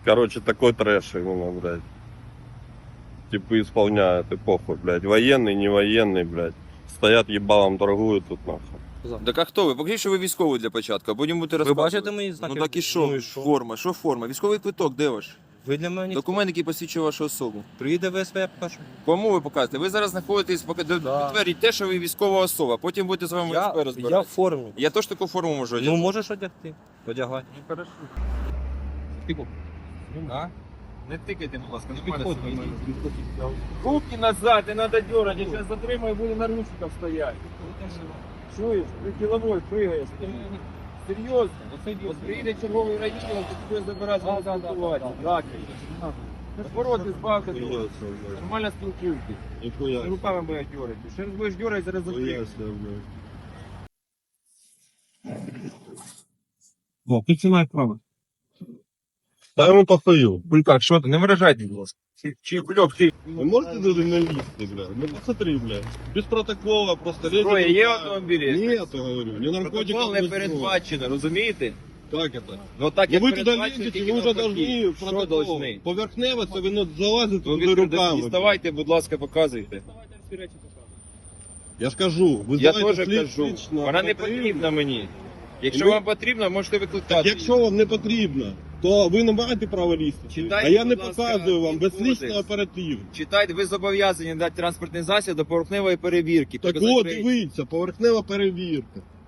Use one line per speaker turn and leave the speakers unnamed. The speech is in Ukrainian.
Короче, такой трэш именно, блядь. Типа исполняют, и похуй, блядь. Военный, не военный, блядь. Стоят ебалом, торгуют тут, нахуй.
Так а хто ви? Покажіть, що ви військовий для початку, а потім будете
Ви
розказувати.
бачите мої знаки?
Ну так і
Ну
що?
і що?
Форма, що форма? Військовий квиток, де ваш?
Ви для мене
Документ, який посвідчує вашу особу.
приїде ВСП, я покажу.
Кому ви показуєте? Ви зараз знаходитесь,
Да.
підтвердіть те, що ви військова особа, потім будете з вами ВСП
Я
розбиратися.
в формі.
Я теж таку форму можу одягти.
Ну можеш одягти. Одягай.
Ну, хорошо. Тихо. А? Не тикайте, будь ласка,
Руки назад, не надо дергать, я сейчас затримаю, буду на ручках стоять. Чуєш, при кіловой пригаєш. Серйозно? От приїде черговий райвідділ, то тебе забирати, спілкувати. Так. Наоборот, збавте того. Нормально спілкуйтесь.
Нихуя.
Руками будеш дергати. Ще раз будеш дергати, зараз затримаю. О, ти маєш право.
Да ему похую.
Булькак, що ти? Не виражайте, будь ласка. Чи блок, ти.
Вы можете даже на листы, блядь? Ну посмотри, блядь. Без протокола, просто лезет.
Зброя є в
рука.
автомобілі?
Нет, я говорю. Не наркотиков,
Протокол не
не зброя.
передбачено, розумієте?
Как это?
Ну так
Ну
як
вы туда
передбачено,
лезете,
тільки
вы уже
навпаки.
должны
Що
протокол.
должны?
Поверхнево, це ви залазите
Ну,
туди руками.
діставайте, будь ласка, показуйте.
Я ж кажу, ви
Я
знаєте,
теж кажу.
лично
Вона не
потрібно.
потрібна мені. Якщо
Ми-
вам потрібно, можете
Так
викликати.
якщо вам не потрібно, то ви не маєте права лізти.
Читайте,
А я не
будь ласка,
показую вам
кодекс.
безлічний оператив.
Читайте, ви зобов'язані дати транспортний засіб до поверхневої перевірки.
Так
Показати
от,
реєстр.
дивіться, поверхнева перевірка.